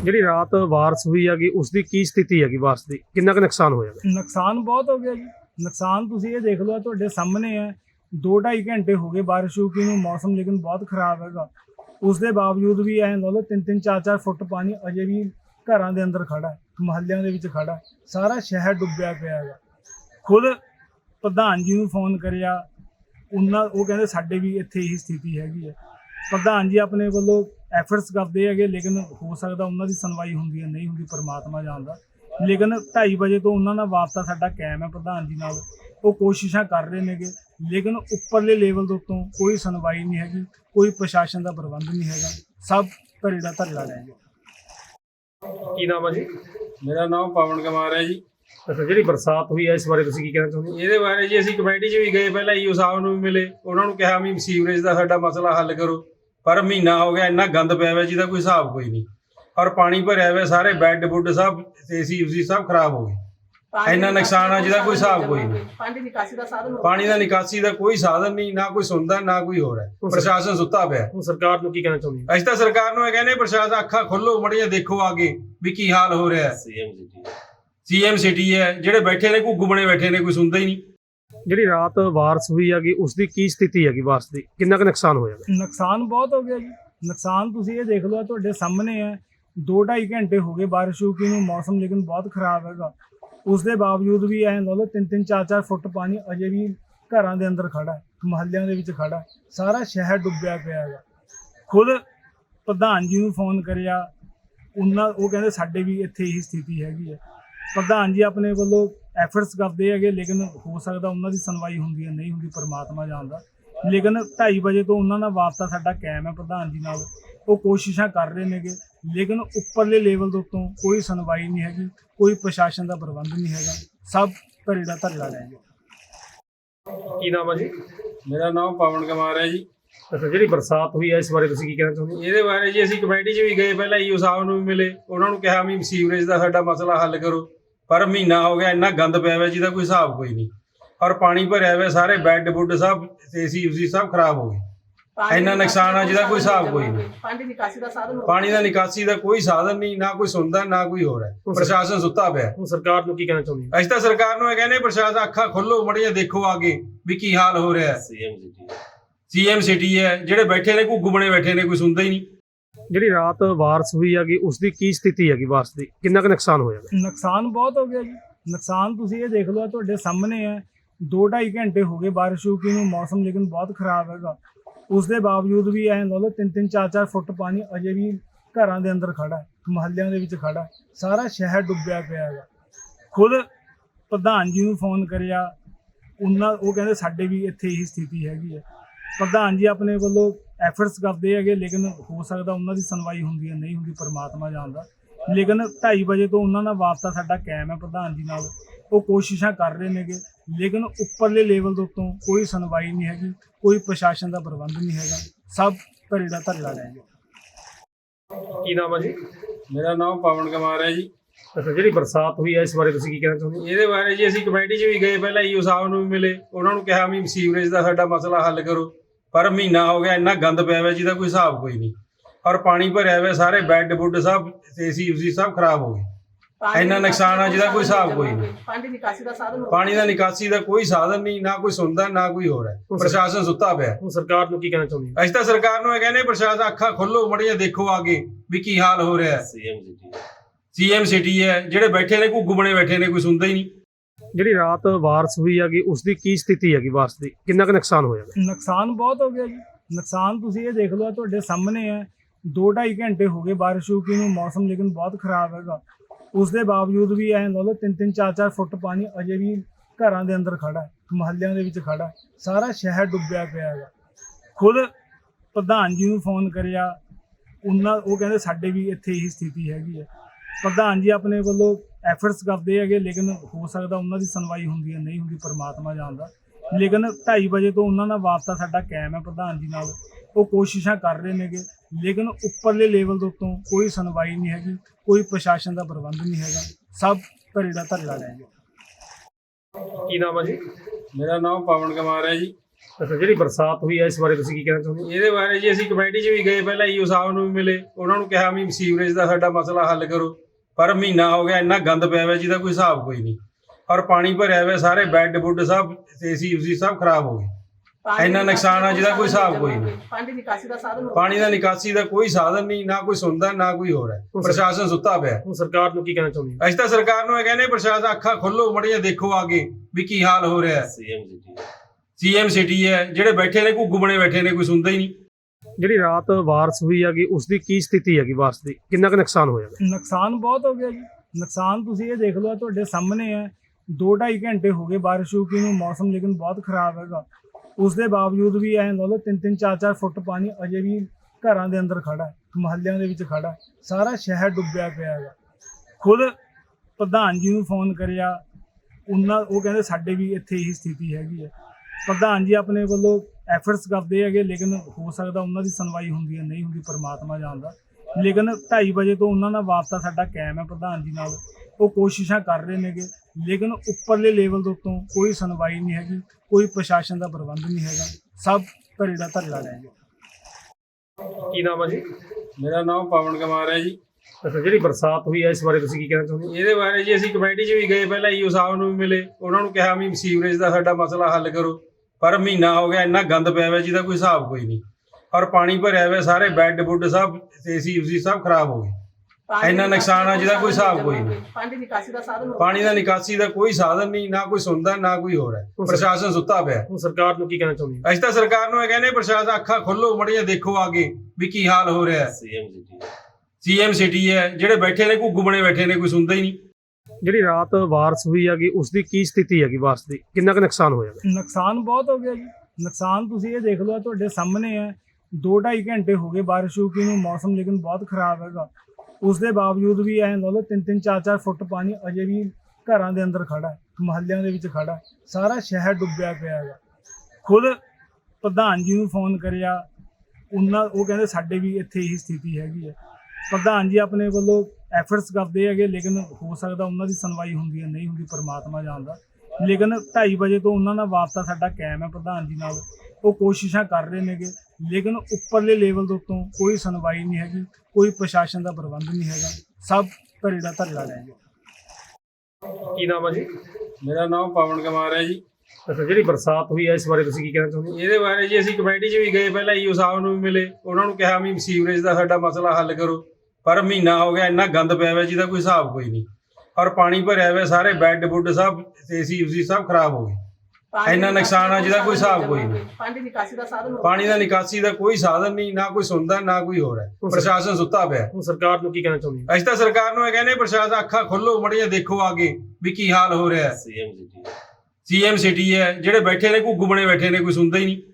ਜਿਹੜੀ ਰਾਤ ਵਾਰਸ ਹੋਈ ਹੈਗੀ ਉਸ ਦੀ ਕੀ ਸਥਿਤੀ ਹੈਗੀ ਵਾਰਸ ਦੀ ਕਿੰਨਾ ਕੁ ਨੁਕਸਾਨ ਹੋਇਆ ਹੈਗਾ? ਨੁਕਸਾਨ ਬਹੁਤ ਹੋ ਗਿਆ ਜੀ। ਨੁਕਸਾਨ ਤੁਸੀਂ ਇਹ ਦੇਖ ਲਓ, ਤੁਹਾਡੇ ਸਾਹਮਣੇ ਹੈ। 2-2.5 ਘੰਟੇ ਹੋ ਗਏ ਬਾਰਿਸ਼ ਹੋ ਕੇ ਨੂੰ, ਮੌਸਮ ਲੇਕਿਨ ਬਹੁਤ ਖਰਾਬ ਹੈਗਾ। ਉਸ ਦੇ ਬਾਵਜੂਦ ਵੀ ਐਂ ਲਾ ਲਓ 3-3 4-4 ਫੁੱਟ ਪਾਣੀ ਅਜੇ ਵੀ ਘਰਾਂ ਦੇ ਅੰਦਰ ਖੜਾ ਹੈ, ਮੁਹੱਲਿਆਂ ਦੇ ਵਿੱਚ ਖੜਾ ਹੈ। ਸਾਰਾ ਸ਼ਹਿਰ ਡੁੱਬਿਆ ਪਿਆ ਹੈਗਾ। ਖੁਦ ਪ੍ਰਧਾਨ ਜੀ ਨੂੰ ਫੋਨ ਕਰਿਆ, ਉਹ ਕਹਿੰਦੇ ਸਾਡੇ ਵੀ ਇੱਥੇ ਹੀ ਸਥਿਤੀ ਹੈਗੀ ਹੈ। ਪ੍ਰਧਾਨ ਜੀ ਆਪਣੇ ਵੱਲੋਂ ਐਫਰਟਸ ਕਰਦੇ ਹੈਗੇ, ਲੇਕਿਨ ਹੋ ਸਕਦਾ ਉਹਨਾਂ ਦੀ ਸੁਣਵਾਈ ਹੁੰਦੀ ਹੈ, ਨਹੀਂ ਹੁੰਦੀ, ਪਰਮਾਤਮਾ ਜਾਣਦਾ। ਲੇਕਿਨ 2:30 ਵਜੇ ਤੋਂ ਉਹਨਾਂ ਨਾਲ ਵਾਸਤਾ ਸਾਡਾ ਕਾਇਮ ਹੈ ਪ੍ਰਧਾਨ ਜੀ ਨਾਲ। ਉਹ ਕੋਸ਼ਿਸ਼ਾਂ ਕਰ ਰਹੇ ਨੇਗੇ, ਲੇਕਿਨ ਉੱਪਰਲੇ ਲੈਵਲ ਦੇ ਉੱਤੋਂ ਕੋਈ ਸੁਣਵਾਈ ਨਹੀਂ ਹੈਗੀ, ਕੋਈ ਪ੍ਰਸ਼ਾਸਨ ਦਾ ਪ੍ਰਬੰਧ ਨਹੀਂ ਹੈਗਾ। ਸਭ ਧੜੇ ਦਾ ਧੜਾ ਰਹਿ ਗਿਆ। ਕੀ ਨਾਮ ਹੈ ਜੀ? ਮੇਰਾ ਨਾਮ ਪਵਨ ਕੁਮਾਰ ਹੈ ਜੀ। ਅੱਛਾ, ਜਿਹੜੀ ਬਰਸਾਤ ਹੋਈ ਹੈ ਇਸ ਬਾਰੇ ਤੁਸੀਂ ਕੀ ਕਹਿਣਾ ਚਾਹੁੰਦੇ ਹੋ? ਇਹਦੇ ਬਾਰੇ ਜੀ ਅਸੀਂ ਕਮੇਟੀ 'ਚ ਵੀ ਗਏ, ਪਹਿਲਾਂ ਈਓ ਸਾਹਿਬ ਨੂੰ ਵੀ ਮਿਲੇ, ਉਹਨਾਂ ਨੂੰ ਕਿਹਾ ਵੀ ਸੀਵਰੇਜ ਦਾ ਸਾਡਾ ਮਸਲਾ ਹੱਲ ਕਰੋ। ਪਰ ਮਹੀਨਾ ਹੋ ਗਿਆ, ਇੰਨਾ ਗੰਦ ਪਿਆ ਹੋਇਆ ਜਿਹਦਾ ਕੋਈ ਹਿਸਾਬ ਕੋਈ ਨਹੀਂ। ਔਰ ਪਾਣੀ ਭਰਿਆ ਹੋਇਆ, ਸਾਰੇ ਬੈੱਡ ਬੁੱਡ ਸਭ ਏਸੀ ਯੂਸੀ ਸਭ ਖਰਾਬ ਹੋ ਗਏ। ਇੰਨਾ ਨੁਕਸਾਨ ਆ ਜਿਹਦਾ ਕੋਈ ਹਿਸਾਬ ਕੋਈ ਨਹੀਂ। ਪਾਣੀ ਦਾ ਨਿਕਾਸੀ ਦਾ ਕੋਈ ਸਾਧਨ ਨਹੀਂ, ਨਾ ਕੋਈ ਸੁਣਦਾ ਨਾ ਕੋਈ ਹੋ ਰਿਹਾ। ਪ੍ਰਸ਼ਾਸਨ ਸੁੱਤਾ ਪਿਆ। ਹੁਣ ਸਰਕਾਰ ਨੂੰ ਕੀ ਕਹਿਣਾ ਚਾਹੁੰਦੇ ਹੋ? ਅਸੀਂ ਤਾਂ ਸਰਕਾਰ ਨੂੰ ਇਹ ਕਹਿੰਦੇ, ਪ੍ਰਸ਼ਾਸਨ ਅੱਖਾਂ ਖੋਲੋ ਮੜੀਆਂ, ਦੇਖੋ ਆਗੇ ਵੀ ਕੀ ਹਾਲ ਹੋ ਰਿਹਾ ਹੈ। ਸੀਐਮ ਸਿਟੀ ਹੈ, ਜਿਹੜੇ ਬੈਠੇ ਨੇ ਘੁੱਗੂ ਬਣੇ ਬੈਠੇ ਨੇ, ਕੋਈ ਸੁਣਦਾ ਹੀ ਨਹੀਂ। ਜਿਹੜੀ ਰਾਤ ਵਾਰਸ ਹੋਈ ਹੈਗੀ ਉਸ ਦੀ ਕੀ ਸਥਿਤੀ ਹੈਗੀ ਵਾਰਸ ਦੀ ਕਿੰਨਾ ਕੁ ਨੁਕਸਾਨ ਹੋਇਆ ਹੈਗਾ? ਨੁਕਸਾਨ ਬਹੁਤ ਹੋ ਗਿਆ ਜੀ। ਨੁਕਸਾਨ ਤੁਸੀਂ ਇਹ ਦੇਖ ਲਓ, ਤੁਹਾਡੇ ਸਾਹਮਣੇ ਹੈ। 2-2.5 ਘੰਟੇ ਹੋ ਗਏ ਬਾਰਿਸ਼ ਹੋ ਕੇ ਨੂੰ, ਮੌਸਮ ਲੇਕਿਨ ਬਹੁਤ ਖਰਾਬ ਹੈਗਾ। ਉਸ ਦੇ ਬਾਵਜੂਦ ਵੀ ਐਂ ਲਾ ਲਓ 3-3 4-4 ਫੁੱਟ ਪਾਣੀ ਅਜੇ ਵੀ ਘਰਾਂ ਦੇ ਅੰਦਰ ਖੜਾ ਹੈ, ਮੁਹੱਲਿਆਂ ਦੇ ਵਿੱਚ ਖੜਾ ਹੈ। ਸਾਰਾ ਸ਼ਹਿਰ ਡੁੱਬਿਆ ਪਿਆ ਹੈਗਾ। ਖੁਦ ਪ੍ਰਧਾਨ ਜੀ ਨੂੰ ਫੋਨ ਕਰਿਆ, ਉਹ ਕਹਿੰਦੇ ਸਾਡੇ ਵੀ ਇੱਥੇ ਹੀ ਸਥਿਤੀ ਹੈਗੀ ਹੈ। ਪ੍ਰਧਾਨ ਜੀ ਆਪਣੇ ਵੱਲੋਂ ਐਫਰਟਸ ਕਰਦੇ ਹੈਗੇ, ਲੇਕਿਨ ਹੋ ਸਕਦਾ ਉਹਨਾਂ ਦੀ ਸੁਣਵਾਈ ਹੁੰਦੀ ਹੈ, ਨਹੀਂ ਹੁੰਦੀ, ਪਰਮਾਤਮਾ ਜਾਣਦਾ। ਲੇਕਿਨ 2:30 ਵਜੇ ਤੋਂ ਉਹਨਾਂ ਨਾਲ ਵਾਸਤਾ ਸਾਡਾ ਕਾਇਮ ਹੈ ਪ੍ਰਧਾਨ ਜੀ ਨਾਲ। ਉਹ ਕੋਸ਼ਿਸ਼ਾਂ ਕਰ ਰਹੇ ਨੇਗੇ, ਲੇਕਿਨ ਉੱਪਰਲੇ ਲੈਵਲ ਦੇ ਉੱਤੋਂ ਕੋਈ ਸੁਣਵਾਈ ਨਹੀਂ ਹੈਗੀ, ਕੋਈ ਪ੍ਰਸ਼ਾਸਨ ਦਾ ਪ੍ਰਬੰਧ ਨਹੀਂ ਹੈਗਾ। ਸਭ ਧੜੇ ਦਾ ਧੜਾ ਰਹਿ ਗਿਆ। ਕੀ ਨਾਮ ਹੈ ਜੀ? ਮੇਰਾ ਨਾਮ ਪਵਨ ਕੁਮਾਰ ਹੈ ਜੀ। ਅੱਛਾ, ਜਿਹੜੀ ਬਰਸਾਤ ਹੋਈ ਹੈ ਇਸ ਬਾਰੇ ਤੁਸੀਂ ਕੀ ਕਹਿਣਾ ਚਾਹੁੰਦੇ ਹੋ? ਇਹਦੇ ਬਾਰੇ ਜੀ ਅਸੀਂ ਕਮੇਟੀ 'ਚ ਵੀ ਗਏ, ਪਹਿਲਾਂ ਈਓ ਸਾਹਿਬ ਨੂੰ ਵੀ ਮਿਲੇ, ਉਹਨਾਂ ਨੂੰ ਕਿਹਾ ਵੀ ਸੀਵਰੇਜ ਦਾ ਸਾਡਾ ਮਸਲਾ ਹੱਲ ਕਰੋ। ਪਰ ਮਹੀਨਾ ਹੋ ਗਿਆ, ਇੰਨਾ ਗੰਦ ਪਿਆ ਹੋਇਆ ਜਿਹਦਾ ਕੋਈ ਹਿਸਾਬ ਕੋਈ ਨਹੀਂ। ਔਰ ਪਾਣੀ ਭਰਿਆ ਹੋਇਆ, ਸਾਰੇ ਬੈੱਡ ਬੁੱਡ ਸਭ ਏਸੀ ਯੂਸੀ ਸਭ ਖਰਾਬ ਹੋ ਗਏ। ਇੰਨਾ ਨੁਕਸਾਨ ਆ ਜਿਹਦਾ ਕੋਈ ਹਿਸਾਬ ਕੋਈ ਨਹੀਂ। ਪਾਣੀ ਦਾ ਨਿਕਾਸੀ ਦਾ ਕੋਈ ਸਾਧਨ ਨਹੀਂ, ਨਾ ਕੋਈ ਸੁਣਦਾ ਨਾ ਕੋਈ ਹੋ ਰਿਹਾ। ਪ੍ਰਸ਼ਾਸਨ ਸੁੱਤਾ ਪਿਆ। ਹੁਣ ਸਰਕਾਰ ਨੂੰ ਕੀ ਕਹਿਣਾ ਚਾਹੁੰਦੇ ਹੋ? ਅਸੀਂ ਤਾਂ ਸਰਕਾਰ ਨੂੰ ਇਹ ਕਹਿੰਦੇ, ਪ੍ਰਸ਼ਾਸਨ ਅੱਖਾਂ ਖੋਲੋ ਮੜੀਆਂ, ਦੇਖੋ ਆਗੇ ਵੀ ਕੀ ਹਾਲ ਹੋ ਰਿਹਾ ਹੈ। ਸੀਐਮ ਸਿਟੀ ਹੈ, ਜਿਹੜੇ ਬੈਠੇ ਨੇ ਘੁੱਗੂ ਬਣੇ ਬੈਠੇ ਨੇ, ਕੋਈ ਸੁਣਦਾ ਹੀ ਨਹੀਂ। ਜਿਹੜੀ ਰਾਤ ਵਾਰਸ ਹੋਈ ਹੈਗੀ ਉਸ ਦੀ ਕੀ ਸਥਿਤੀ ਹੈਗੀ ਵਾਰਸ ਦੀ ਕਿੰਨਾ ਕੁ ਨੁਕਸਾਨ ਹੋਇਆ ਹੈਗਾ? ਨੁਕਸਾਨ ਬਹੁਤ ਹੋ ਗਿਆ ਜੀ। ਨੁਕਸਾਨ ਤੁਸੀਂ ਇਹ ਦੇਖ ਲਓ, ਤੁਹਾਡੇ ਸਾਹਮਣੇ ਹੈ। 2-2.5 ਘੰਟੇ ਹੋ ਗਏ ਬਾਰਿਸ਼ ਹੋ ਕੇ ਨੂੰ, ਮੌਸਮ ਲੇਕਿਨ ਬਹੁਤ ਖਰਾਬ ਹੈਗਾ। ਉਸ ਦੇ ਬਾਵਜੂਦ ਵੀ ਐਂ ਲਾ ਲਓ 3-3 4-4 ਫੁੱਟ ਪਾਣੀ ਅਜੇ ਵੀ ਘਰਾਂ ਦੇ ਅੰਦਰ ਖੜਾ ਹੈ, ਮੁਹੱਲਿਆਂ ਦੇ ਵਿੱਚ ਖੜਾ ਹੈ। ਸਾਰਾ ਸ਼ਹਿਰ ਡੁੱਬਿਆ ਪਿਆ ਹੈਗਾ। ਖੁਦ ਪ੍ਰਧਾਨ ਜੀ ਨੂੰ ਫੋਨ ਕਰਿਆ, ਉਹ ਕਹਿੰਦੇ ਸਾਡੇ ਵੀ ਇੱਥੇ ਹੀ ਸਥਿਤੀ ਹੈਗੀ ਹੈ। ਪ੍ਰਧਾਨ ਜੀ ਆਪਣੇ ਵੱਲੋਂ ਐਫਰਟਸ ਕਰਦੇ ਹੈਗੇ, ਲੇਕਿਨ ਹੋ ਸਕਦਾ ਉਹਨਾਂ ਦੀ ਸੁਣਵਾਈ ਹੁੰਦੀ ਹੈ, ਨਹੀਂ ਹੁੰਦੀ, ਪਰਮਾਤਮਾ ਜਾਣਦਾ। ਲੇਕਿਨ 2:30 ਵਜੇ ਤੋਂ ਉਹਨਾਂ ਨਾਲ ਵਾਸਤਾ ਸਾਡਾ ਕਾਇਮ ਹੈ ਪ੍ਰਧਾਨ ਜੀ ਨਾਲ। ਉਹ ਕੋਸ਼ਿਸ਼ਾਂ ਕਰ ਰਹੇ ਨੇਗੇ, ਲੇਕਿਨ ਉੱਪਰਲੇ ਲੈਵਲ ਦੇ ਉੱਤੋਂ ਕੋਈ ਸੁਣਵਾਈ ਨਹੀਂ ਹੈਗੀ, ਕੋਈ ਪ੍ਰਸ਼ਾਸਨ ਦਾ ਪ੍ਰਬੰਧ ਨਹੀਂ ਹੈਗਾ। ਸਭ ਧੜੇ ਦਾ ਧੜਾ ਰਹਿ ਗਿਆ। ਕੀ ਨਾਮ ਹੈ ਜੀ? ਮੇਰਾ ਨਾਮ ਪਵਨ ਕੁਮਾਰ ਹੈ ਜੀ। ਅੱਛਾ, ਜਿਹੜੀ ਬਰਸਾਤ ਹੋਈ ਹੈ ਇਸ ਬਾਰੇ ਤੁਸੀਂ ਕੀ ਕਹਿਣਾ ਚਾਹੁੰਦੇ ਹੋ? ਇਹਦੇ ਬਾਰੇ ਜੀ ਅਸੀਂ ਕਮੇਟੀ 'ਚ ਵੀ ਗਏ, ਪਹਿਲਾਂ ਈਓ ਸਾਹਿਬ ਨੂੰ ਵੀ ਮਿਲੇ, ਉਹਨਾਂ ਨੂੰ ਕਿਹਾ ਵੀ ਸੀਵਰੇਜ ਦਾ ਸਾਡਾ ਮਸਲਾ ਹੱਲ ਕਰੋ। ਪਰ ਮਹੀਨਾ ਹੋ ਗਿਆ, ਇੰਨਾ ਗੰਦ ਪਿਆ ਹੋਇਆ ਜਿਹਦਾ ਕੋਈ ਹਿਸਾਬ ਕੋਈ ਨਹੀਂ। ਔਰ ਪਾਣੀ ਭਰਿਆ ਹੋਇਆ, ਸਾਰੇ ਬੈੱਡ ਬੁੱਡ ਸਭ ਏਸੀ ਯੂਸੀ ਸਭ ਖਰਾਬ ਹੋ ਗਏ। ਇੰਨਾ ਨੁਕਸਾਨ ਆ ਜਿਹਦਾ ਕੋਈ ਹਿਸਾਬ ਕੋਈ ਨਹੀਂ। ਪਾਣੀ ਦਾ ਨਿਕਾਸੀ ਦਾ ਕੋਈ ਸਾਧਨ ਨਹੀਂ, ਨਾ ਕੋਈ ਸੁਣਦਾ ਨਾ ਕੋਈ ਹੋ ਰਿਹਾ। ਪ੍ਰਸ਼ਾਸਨ ਸੁੱਤਾ ਪਿਆ। ਹੁਣ ਸਰਕਾਰ ਨੂੰ ਕੀ ਕਹਿਣਾ ਚਾਹੁੰਦੇ ਹੋ? ਅਸੀਂ ਤਾਂ ਸਰਕਾਰ ਨੂੰ ਇਹ ਕਹਿੰਦੇ, ਪ੍ਰਸ਼ਾਸਨ ਅੱਖਾਂ ਖੋਲੋ ਮੜੀਆਂ, ਦੇਖੋ ਆਗੇ ਵੀ ਕੀ ਹਾਲ ਹੋ ਰਿਹਾ ਹੈ। ਸੀਐਮ ਸਿਟੀ ਹੈ, ਜਿਹੜੇ ਬੈਠੇ ਨੇ ਘੁੱਗੂ ਬਣੇ ਬੈਠੇ ਨੇ, ਕੋਈ ਸੁਣਦਾ ਹੀ ਨਹੀਂ। ਜਿਹੜੀ ਰਾਤ ਵਾਰਸ ਹੋਈ ਹੈਗੀ ਉਸ ਦੀ ਕੀ ਸਥਿਤੀ ਹੈਗੀ ਵਾਰਸ ਦੀ ਕਿੰਨਾ ਕੁ ਨੁਕਸਾਨ ਹੋਇਆ ਹੈਗਾ? ਨੁਕਸਾਨ ਬਹੁਤ ਹੋ ਗਿਆ ਜੀ। ਨੁਕਸਾਨ ਤੁਸੀਂ ਇਹ ਦੇਖ ਲਓ, ਤੁਹਾਡੇ ਸਾਹਮਣੇ ਹੈ। 2-2.5 ਘੰਟੇ ਹੋ ਗਏ ਬਾਰਿਸ਼ ਹੋ ਕੇ ਨੂੰ, ਮੌਸਮ ਲੇਕਿਨ ਬਹੁਤ ਖਰਾਬ ਹੈਗਾ। ਉਸ ਦੇ ਬਾਵਜੂਦ ਵੀ ਐਂ ਲਾ ਲਓ 3-3 4-4 ਫੁੱਟ ਪਾਣੀ ਅਜੇ ਵੀ ਘਰਾਂ ਦੇ ਅੰਦਰ ਖੜਾ ਹੈ, ਮੁਹੱਲਿਆਂ ਦੇ ਵਿੱਚ ਖੜਾ ਹੈ। ਸਾਰਾ ਸ਼ਹਿਰ ਡੁੱਬਿਆ ਪਿਆ ਹੈਗਾ। ਖੁਦ ਪ੍ਰਧਾਨ ਜੀ ਨੂੰ ਫੋਨ ਕਰਿਆ, ਉਹ ਕਹਿੰਦੇ ਸਾਡੇ ਵੀ ਇੱਥੇ ਹੀ ਸਥਿਤੀ ਹੈਗੀ ਹੈ। ਪ੍ਰਧਾਨ ਜੀ ਆਪਣੇ ਵੱਲੋਂ ਐਫਰਟਸ ਕਰਦੇ ਹੈਗੇ, ਲੇਕਿਨ ਹੋ ਸਕਦਾ ਉਹਨਾਂ ਦੀ ਸੁਣਵਾਈ ਹੁੰਦੀ ਹੈ, ਨਹੀਂ ਹੁੰਦੀ, ਪਰਮਾਤਮਾ ਜਾਣਦਾ। ਲੇਕਿਨ 2:30 ਵਜੇ ਤੋਂ ਉਹਨਾਂ ਨਾਲ ਵਾਸਤਾ ਸਾਡਾ ਕਾਇਮ ਹੈ ਪ੍ਰਧਾਨ ਜੀ ਨਾਲ। ਉਹ ਕੋਸ਼ਿਸ਼ਾਂ ਕਰ ਰਹੇ ਨੇਗੇ, ਲੇਕਿਨ ਉੱਪਰਲੇ ਲੈਵਲ ਦੇ ਉੱਤੋਂ ਕੋਈ ਸੁਣਵਾਈ ਨਹੀਂ ਹੈਗੀ, ਕੋਈ ਪ੍ਰਸ਼ਾਸਨ ਦਾ ਪ੍ਰਬੰਧ ਨਹੀਂ ਹੈਗਾ। ਸਭ ਧੜੇ ਦਾ ਧੜਾ ਰਹਿ ਗਿਆ। ਕੀ ਨਾਮ ਹੈ ਜੀ? ਮੇਰਾ ਨਾਮ ਪਵਨ ਕੁਮਾਰ ਹੈ ਜੀ। ਅੱਛਾ, ਜਿਹੜੀ ਬਰਸਾਤ ਹੋਈ ਹੈ ਇਸ ਬਾਰੇ ਤੁਸੀਂ ਕੀ ਕਹਿਣਾ ਚਾਹੁੰਦੇ ਹੋ? ਇਹਦੇ ਬਾਰੇ ਜੀ ਅਸੀਂ ਕਮੇਟੀ 'ਚ ਵੀ ਗਏ, ਪਹਿਲਾਂ ਈਓ ਸਾਹਿਬ ਨੂੰ ਵੀ ਮਿਲੇ, ਉਹਨਾਂ ਨੂੰ ਕਿਹਾ ਵੀ ਸੀਵਰੇਜ ਦਾ ਸਾਡਾ ਮਸਲਾ ਹੱਲ ਕਰੋ। ਪਰ ਮਹੀਨਾ ਹੋ ਗਿਆ, ਇੰਨਾ ਗੰਦ ਪਿਆ ਹੋਇਆ ਜਿਹਦਾ ਕੋਈ ਹਿਸਾਬ ਕੋਈ ਨਹੀਂ। ਔਰ ਪਾਣੀ ਭਰਿਆ ਹੋਇਆ, ਸਾਰੇ ਬੈੱਡ ਬੁੱਡ ਸਭ ਏਸੀ ਉਸੀ ਸਭ ਖਰਾਬ ਹੋ ਗਏ। ਇੰਨਾ ਨੁਕਸਾਨ ਆ ਜਿਹਦਾ ਕੋਈ ਹਿਸਾਬ ਕੋਈ ਨਹੀਂ। ਪਾਣੀ ਦਾ ਨਿਕਾਸੀ ਦਾ ਕੋਈ ਸਾਧਨ ਨਹੀਂ, ਨਾ ਕੋਈ ਸੁਣਦਾ ਨਾ ਕੋਈ ਹੋ ਰਿਹਾ। ਪ੍ਰਸ਼ਾਸਨ ਸੁੱਤਾ ਪਿਆ। ਹੁਣ ਸਰਕਾਰ ਨੂੰ ਕੀ ਕਹਿਣਾ ਚਾਹੁੰਦੇ ਹੋ? ਅਸੀਂ ਤਾਂ ਸਰਕਾਰ ਨੂੰ ਇਹ ਕਹਿੰਦੇ, ਪ੍ਰਸ਼ਾਸਨ ਅੱਖਾਂ ਖੋਲੋ, ਮੜੀਆਂ ਦੇਖੋ ਆਗੇ ਵੀ ਕੀ ਹਾਲ ਹੋ ਰਿਹਾ ਹੈ। ਸੀਐਮ ਸਿਟੀ ਹੈ, ਜਿਹੜੇ ਬੈਠੇ ਨੇ ਘੁੱਗੂ ਬਣੇ ਬੈਠੇ ਨੇ, ਕੋਈ ਸੁਣਦਾ ਹੀ ਨਹੀਂ। ਜਿਹੜੀ ਰਾਤ ਬਾਰਿਸ਼ ਹੋਈ ਹੈਗੀ ਉਸ ਦੀ ਕੀ ਸਥਿਤੀ ਹੈਗੀ? ਬਾਰਿਸ਼ ਦੀ ਕਿੰਨਾ ਕੁ ਨੁਕਸਾਨ ਹੋਇਆ? ਨੁਕਸਾਨ ਬਹੁਤ ਹੋ ਗਿਆ ਜੀ। ਨੁਕਸਾਨ ਤੁਸੀਂ ਇਹ ਦੇਖ ਲਓ, ਆਹ ਤੁਹਾਡੇ ਸਾਹਮਣੇ ਹੈ। 2-2.5 ਘੰਟੇ ਹੋ ਗਏ ਬਾਰਿਸ਼ ਹੋ ਕੇ ਨੂੰ, ਮੌਸਮ ਲੇਕਿਨ ਬਹੁਤ ਖਰਾਬ ਹੈਗਾ। ਉਸ ਦੇ ਬਾਵਜੂਦ ਵੀ ਐਂ ਲਾ ਲਓ 3-3 4-4 ਫੁੱਟ ਪਾਣੀ ਅਜੇ ਵੀ ਘਰਾਂ ਦੇ ਅੰਦਰ ਖੜਾ ਹੈ, ਮੁਹੱਲਿਆਂ ਦੇ ਵਿੱਚ ਖੜਾ ਹੈ। ਸਾਰਾ ਸ਼ਹਿਰ ਡੁੱਬਿਆ ਪਿਆ ਹੈਗਾ। ਖੁਦ ਪ੍ਰਧਾਨ ਜੀ ਨੂੰ ਫੋਨ ਕਰਿਆ, ਉਹ ਕਹਿੰਦੇ ਸਾਡੇ ਵੀ ਇੱਥੇ ਇਹੀ ਸਥਿਤੀ ਹੈਗੀ ਹੈ। ਪ੍ਰਧਾਨ ਜੀ ਆਪਣੇ ਵੱਲੋਂ ਐਫਰਟਸ ਕਰਦੇ ਹੈਗੇ, ਲੇਕਿਨ ਹੋ ਸਕਦਾ ਉਹਨਾਂ ਦੀ ਸੁਣਵਾਈ ਹੁੰਦੀ ਹੈ, ਨਹੀਂ ਹੁੰਦੀ, ਪਰਮਾਤਮਾ ਜਾਣਦਾ। ਲੇਕਿਨ 2:30 ਵਜੇ ਤੋਂ ਉਹਨਾਂ ਨਾਲ ਵਾਸਤਾ ਸਾਡਾ ਕਾਇਮ ਹੈ ਪ੍ਰਧਾਨ ਜੀ ਨਾਲ। ਉਹ ਕੋਸ਼ਿਸ਼ਾਂ ਕਰ ਰਹੇ ਨੇਗੇ, ਲੇਕਿਨ ਉੱਪਰਲੇ ਲੈਵਲ ਦੇ ਉੱਤੋਂ ਕੋਈ ਸੁਣਵਾਈ ਨਹੀਂ ਹੈਗੀ, ਕੋਈ ਪ੍ਰਸ਼ਾਸਨ ਦਾ ਪ੍ਰਬੰਧ ਨਹੀਂ ਹੈਗਾ। ਸਭ ਧੜੇ ਦਾ ਧੜਾ ਰਹਿ ਗਿਆ। ਕੀ ਨਾਮ ਹੈ ਜੀ? ਮੇਰਾ ਨਾਮ ਪਵਨ ਕੁਮਾਰ ਹੈ ਜੀ। ਅੱਛਾ, ਜਿਹੜੀ ਬਰਸਾਤ ਹੋਈ ਹੈ ਇਸ ਬਾਰੇ ਤੁਸੀਂ ਕੀ ਕਹਿਣਾ ਚਾਹੁੰਦੇ ਹੋ? ਇਹਦੇ ਬਾਰੇ ਜੀ ਅਸੀਂ ਕਮੇਟੀ 'ਚ ਵੀ ਗਏ, ਪਹਿਲਾਂ ਈਓ ਸਾਹਿਬ ਨੂੰ ਵੀ ਮਿਲੇ, ਉਹਨਾਂ ਨੂੰ ਕਿਹਾ ਵੀ ਸੀਵਰੇਜ ਦਾ ਸਾਡਾ ਮਸਲਾ ਹੱਲ ਕਰੋ। ਪਰ ਮਹੀਨਾ ਹੋ ਗਿਆ, ਇੰਨਾ ਗੰਦ ਪਿਆ ਹੋਇਆ ਜਿਹਦਾ ਕੋਈ ਹਿਸਾਬ ਕੋਈ ਨਹੀਂ। ਔਰ ਪਾਣੀ ਭਰਿਆ ਹੋਇਆ, ਸਾਰੇ ਬੈੱਡ ਬੁੱਡ ਸਭ ਏਸੀ ਉਸੀ ਸਭ ਖਰਾਬ ਹੋ ਗਏ। ਇੰਨਾ ਨੁਕਸਾਨ ਆ ਜਿਹਦਾ ਕੋਈ ਹਿਸਾਬ ਕੋਈ ਨਹੀਂ। ਪਾਣੀ ਦਾ ਨਿਕਾਸੀ ਦਾ ਕੋਈ ਸਾਧਨ ਨਹੀਂ, ਨਾ ਕੋਈ ਸੁਣਦਾ ਨਾ ਕੋਈ ਹੋ ਰਿਹਾ। ਪ੍ਰਸ਼ਾਸਨ ਸੁੱਤਾ ਪਿਆ। ਹੁਣ ਸਰਕਾਰ ਨੂੰ ਕੀ ਕਹਿਣਾ ਚਾਹੁੰਦੇ ਹੋ? ਅਸੀਂ ਤਾਂ ਸਰਕਾਰ ਨੂੰ ਇਹ ਕਹਿੰਦੇ, ਪ੍ਰਸ਼ਾਸਨ ਅੱਖਾਂ ਖੋਲੋ, ਮੜੀਆਂ ਦੇਖੋ ਆਗੇ ਵੀ ਕੀ ਹਾਲ ਹੋ ਰਿਹਾ ਹੈ। ਸੀਐਮ ਸਿਟੀ ਹੈ, ਜਿਹੜੇ ਬੈਠੇ ਨੇ ਘੁੱਗੂ ਬਣੇ ਬੈਠੇ ਨੇ, ਕੋਈ ਸੁਣਦਾ ਹੀ ਨਹੀਂ। ਜਿਹੜੀ ਰਾਤ ਬਾਰਿਸ਼ ਹੋਈ ਹੈਗੀ ਉਸ ਦੀ ਕੀ ਸਥਿਤੀ ਹੈਗੀ? ਬਾਰਿਸ਼ ਦੀ ਕਿੰਨਾ ਕੁ ਨੁਕਸਾਨ ਹੋਇਆ? ਨੁਕਸਾਨ ਬਹੁਤ ਹੋ ਗਿਆ ਜੀ। ਨੁਕਸਾਨ ਤੁਸੀਂ ਇਹ ਦੇਖ ਲਓ, ਆਹ ਤੁਹਾਡੇ ਸਾਹਮਣੇ ਹੈ। 2-2.5 ਘੰਟੇ ਹੋ ਗਏ ਬਾਰਿਸ਼ ਹੋ ਕੇ ਨੂੰ, ਮੌਸਮ ਲੇਕਿਨ ਬਹੁਤ ਖਰਾਬ ਹੈਗਾ। ਉਸ ਦੇ ਬਾਵਜੂਦ ਵੀ ਐਂ ਲਾ ਲਓ 3-3 4-4 ਫੁੱਟ ਪਾਣੀ ਅਜੇ ਵੀ ਘਰਾਂ ਦੇ ਅੰਦਰ ਖੜਾ ਹੈ, ਮੁਹੱਲਿਆਂ ਦੇ ਵਿੱਚ ਖੜਾ ਹੈ। ਸਾਰਾ ਸ਼ਹਿਰ ਡੁੱਬਿਆ ਪਿਆ ਹੈਗਾ। ਖੁਦ ਪ੍ਰਧਾਨ ਜੀ ਨੂੰ ਫੋਨ ਕਰਿਆ, ਉਹ ਕਹਿੰਦੇ ਸਾਡੇ ਵੀ ਇੱਥੇ ਇਹੀ ਸਥਿਤੀ ਹੈਗੀ ਹੈ। ਪ੍ਰਧਾਨ ਜੀ ਆਪਣੇ ਵੱਲੋਂ ਐਫਰਟਸ ਕਰਦੇ ਹੈਗੇ, ਲੇਕਿਨ ਹੋ ਸਕਦਾ ਉਹਨਾਂ ਦੀ ਸੁਣਵਾਈ ਹੁੰਦੀ ਹੈ, ਨਹੀਂ ਹੁੰਦੀ, ਪਰਮਾਤਮਾ ਜਾਣਦਾ। ਲੇਕਿਨ 2:30 ਵਜੇ ਤੋਂ ਉਹਨਾਂ ਨਾਲ ਵਾਸਤਾ ਸਾਡਾ ਕਾਇਮ ਹੈ ਪ੍ਰਧਾਨ ਜੀ ਨਾਲ। ਉਹ ਕੋਸ਼ਿਸ਼ਾਂ ਕਰ ਰਹੇ ਨੇਗੇ, ਲੇਕਿਨ ਉੱਪਰਲੇ ਲੈਵਲ ਦੇ ਉੱਤੋਂ ਕੋਈ ਸੁਣਵਾਈ ਨਹੀਂ ਹੈਗੀ, ਕੋਈ ਪ੍ਰਸ਼ਾਸਨ ਦਾ ਪ੍ਰਬੰਧ ਨਹੀਂ ਹੈਗਾ। ਸਭ ਧੜੇ ਦਾ ਧੜਾ ਰਹਿ ਗਿਆ। ਕੀ ਨਾਮ ਹੈ ਜੀ? ਮੇਰਾ ਨਾਮ ਪਵਨ ਕੁਮਾਰ ਹੈ ਜੀ। ਅੱਛਾ, ਜਿਹੜੀ ਬਰਸਾਤ ਹੋਈ ਹੈ ਇਸ ਬਾਰੇ ਤੁਸੀਂ ਕੀ ਕਹਿਣਾ ਚਾਹੁੰਦੇ ਹੋ? ਇਹਦੇ ਬਾਰੇ ਜੀ ਅਸੀਂ ਕਮੇਟੀ 'ਚ ਵੀ ਗਏ, ਪਹਿਲਾਂ ਈਓ ਸਾਹਿਬ ਨੂੰ ਵੀ ਮਿਲੇ, ਉਹਨਾਂ ਨੂੰ ਕਿਹਾ ਵੀ ਸੀਵਰੇਜ ਦਾ ਸਾਡਾ ਮਸਲਾ ਹੱਲ ਕਰੋ। ਪਰ ਮਹੀਨਾ ਹੋ ਗਿਆ, ਇੰਨਾ ਗੰਦ ਪਿਆ ਹੋਇਆ ਜਿਹਦਾ ਕੋਈ ਹਿਸਾਬ ਕੋਈ ਨਹੀਂ। ਔਰ ਪਾਣੀ ਭਰਿਆ ਹੋਇਆ, ਸਾਰੇ ਬੈੱਡ ਬੁੱਡ ਸਭ ਏਸੀ ਉਸੀ ਸਭ ਖਰਾਬ ਹੋ ਗਏ। ਇੰਨਾ ਨੁਕਸਾਨ ਆ ਜਿਹਦਾ ਕੋਈ ਹਿਸਾਬ ਕੋਈ ਨਹੀਂ। ਪਾਣੀ ਦਾ ਨਿਕਾਸੀ ਦਾ ਕੋਈ ਸਾਧਨ ਨਹੀਂ, ਨਾ ਕੋਈ ਸੁਣਦਾ ਨਾ ਕੋਈ ਹੋ ਰਿਹਾ। ਪ੍ਰਸ਼ਾਸਨ ਸੁੱਤਾ ਪਿਆ। ਹੁਣ ਸਰਕਾਰ ਨੂੰ ਕੀ ਕਹਿਣਾ ਚਾਹੁੰਦੇ ਹੋ? ਅਸੀਂ ਤਾਂ ਸਰਕਾਰ ਨੂੰ ਇਹ ਕਹਿੰਦੇ, ਪ੍ਰਸ਼ਾਸਨ ਅੱਖਾਂ ਖੋਲੋ, ਮੜੀਆਂ ਦੇਖੋ ਆਗੇ ਵੀ ਕੀ ਹਾਲ ਹੋ ਰਿਹਾ ਹੈ। ਸੀਐਮ ਸਿਟੀ ਹੈ, ਜਿਹੜੇ ਬੈਠੇ ਨੇ ਘੁੱਗੂ ਬਣੇ ਬੈਠੇ ਨੇ, ਕੋਈ ਸੁਣਦਾ ਹੀ ਨਹੀਂ।